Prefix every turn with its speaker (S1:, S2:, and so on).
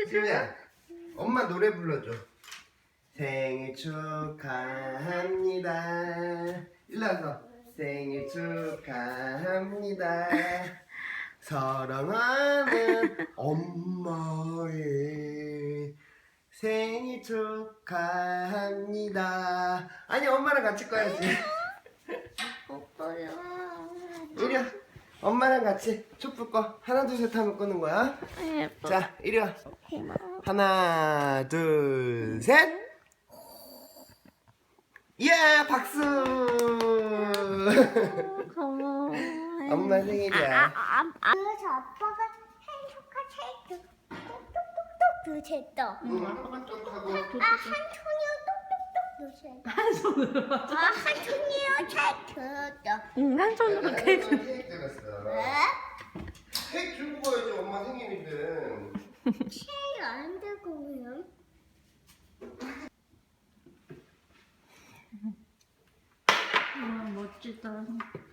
S1: 지우야, 엄마 노래 불러줘. 생일 축하합니다. 일로 와서 생일 축하합니다. 사랑하는 엄마의 생일 축하합니다. 아니, 엄마랑 같이 꺼야지.
S2: 오빠야.
S1: 이리 와. 엄마랑 같이 촛불 꺼. 하나, 둘, 셋 하면 끄는 거야.
S2: 예뻐.
S1: 자, 이리 와. 하나, 둘, 셋. 예, 박수.
S2: 고마워.
S1: 엄마 생일이야.
S3: 그래서 아빠가 생일 축하 체크 똑똑똑똑 두셨다.
S1: 응, 아빠가 좀 하고.
S3: 한 손이요 똑똑똑 두셨다. 한 손으로. 한 손이요 체크다.
S2: 한 손으로 케이크.
S1: 케이크 들었어.
S3: 왜?
S1: 케이크 들고 가야지, 엄마 생일인데.
S3: 체크 안 들고 그냥.
S2: 멋지다.